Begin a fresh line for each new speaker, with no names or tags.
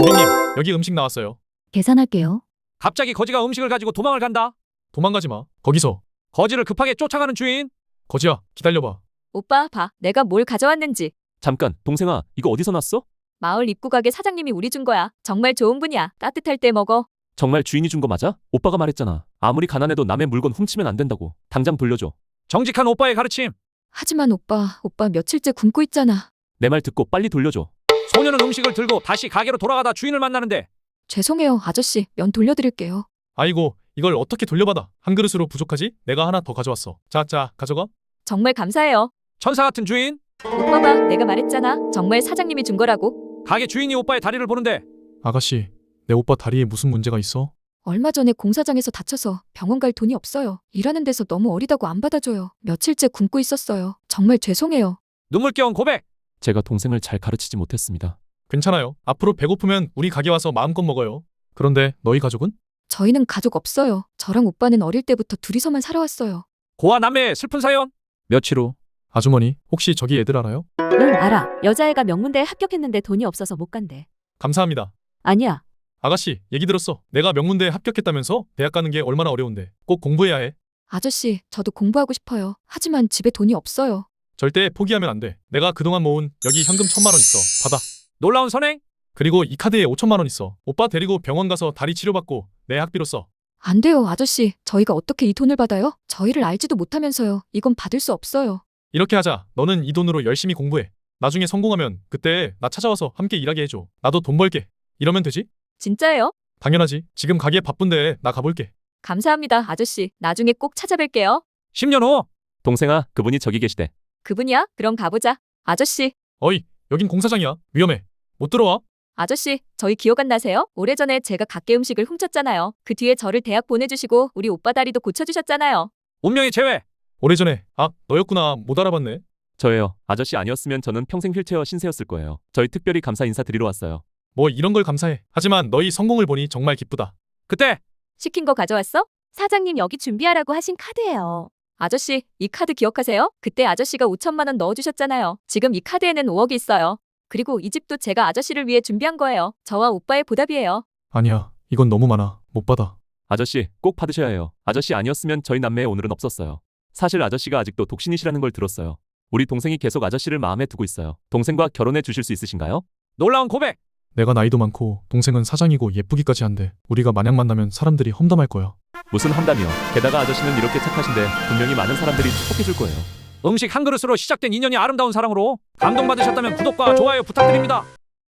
고객님, 여기 음식 나왔어요.
계산할게요.
갑자기 거지가 음식을 가지고 도망을 간다.
도망가지 마. 거기서.
거지를 급하게 쫓아가는 주인.
거지야, 기다려봐.
오빠 봐. 내가 뭘 가져왔는지.
잠깐, 동생아, 이거 어디서 났어?
마을 입구 가게 사장님이 우리 준 거야. 정말 좋은 분이야. 따뜻할 때 먹어.
정말 주인이 준 거 맞아? 오빠가 말했잖아. 아무리 가난해도 남의 물건 훔치면 안 된다고. 당장 돌려줘.
정직한 오빠의 가르침.
하지만 오빠 며칠째 굶고 있잖아.
내 말 듣고 빨리 돌려줘.
소녀는 음식을 들고 다시 가게로 돌아가다 주인을 만나는데
죄송해요, 아저씨. 면 돌려드릴게요.
아이고, 이걸 어떻게 돌려받아? 한 그릇으로 부족하지? 내가 하나 더 가져왔어. 자, 가져가.
정말 감사해요.
천사 같은 주인.
오빠 봐. 내가 말했잖아. 정말 사장님이 준 거라고.
가게 주인이 오빠의 다리를 보는데
아가씨, 내 오빠 다리에 무슨 문제가 있어?
얼마 전에 공사장에서 다쳐서 병원 갈 돈이 없어요. 일하는 데서 너무 어리다고 안 받아줘요. 며칠째 굶고 있었어요. 정말 죄송해요.
눈물겨운 고백.
제가 동생을 잘 가르치지 못했습니다.
괜찮아요. 앞으로 배고프면 우리 가게 와서 마음껏 먹어요. 그런데 너희 가족은?
저희는 가족 없어요. 저랑 오빠는 어릴 때부터 둘이서만 살아왔어요.
고아 남매의 슬픈 사연.
며칠 후
아주머니, 혹시 저기 애들 알아요?
응, 알아. 여자애가 명문대에 합격했는데 돈이 없어서 못 간대.
감사합니다.
아니야.
아가씨, 얘기 들었어. 내가 명문대에 합격했다면서? 대학 가는 게 얼마나 어려운데. 꼭 공부해야 해.
아저씨, 저도 공부하고 싶어요. 하지만 집에 돈이 없어요.
절대 포기하면 안 돼. 내가 그동안 모은 여기 현금 1,000만 원 있어. 받아.
놀라운 선행.
그리고 이 카드에 5,000만 원 있어. 오빠 데리고 병원 가서 다리 치료받고 내 학비로 써.
안 돼요, 아저씨. 저희가 어떻게 이 돈을 받아요? 저희를 알지도 못하면서요. 이건 받을 수 없어요.
이렇게 하자. 너는 이 돈으로 열심히 공부해. 나중에 성공하면 그때 나 찾아와서 함께 일하게 해줘. 나도 돈 벌게. 이러면 되지?
진짜예요?
당연하지. 지금 가게 바쁜데 나 가볼게.
감사합니다, 아저씨. 나중에 꼭 찾아뵐게요.
10년 후.
동생아, 그분이 저기 계시대.
그분이야? 그럼 가보자. 아저씨,
어이, 여긴 공사장이야. 위험해. 못 들어와.
아저씨, 저희 기억 안 나세요? 오래전에 제가 가게 음식을 훔쳤잖아요. 그 뒤에 저를 대학 보내주시고 우리 오빠 다리도 고쳐주셨잖아요.
운명의 재회.
오래전에. 아, 너였구나. 못 알아봤네.
저예요. 아저씨 아니었으면 저는 평생 휠체어 신세였을 거예요. 저희 특별히 감사 인사드리러 왔어요.
뭐 이런 걸 감사해. 하지만 너희 성공을 보니 정말 기쁘다.
그때
시킨 거 가져왔어?
사장님 여기 준비하라고 하신 카드예요.
아저씨, 이 카드 기억하세요? 그때 아저씨가 5천만 원 넣어주셨잖아요. 지금 이 카드에는 5억이 있어요. 그리고 이 집도 제가 아저씨를 위해 준비한 거예요. 저와 오빠의 보답이에요.
아니야. 이건 너무 많아. 못 받아.
아저씨, 꼭 받으셔야 해요. 아저씨 아니었으면 저희 남매의 오늘은 없었어요. 사실 아저씨가 아직도 독신이시라는 걸 들었어요. 우리 동생이 계속 아저씨를 마음에 두고 있어요. 동생과 결혼해 주실 수 있으신가요?
놀라운 고백.
내가 나이도 많고 동생은 사장이고 예쁘기까지 한데 우리가 만약 만나면 사람들이 험담할 거야.
무슨 험담이요. 게다가 아저씨는 이렇게 착하신데 분명히 많은 사람들이 축복해 줄 거예요.
음식 한 그릇으로 시작된 인연이 아름다운 사랑으로 감동받으셨다면 구독과 좋아요 부탁드립니다.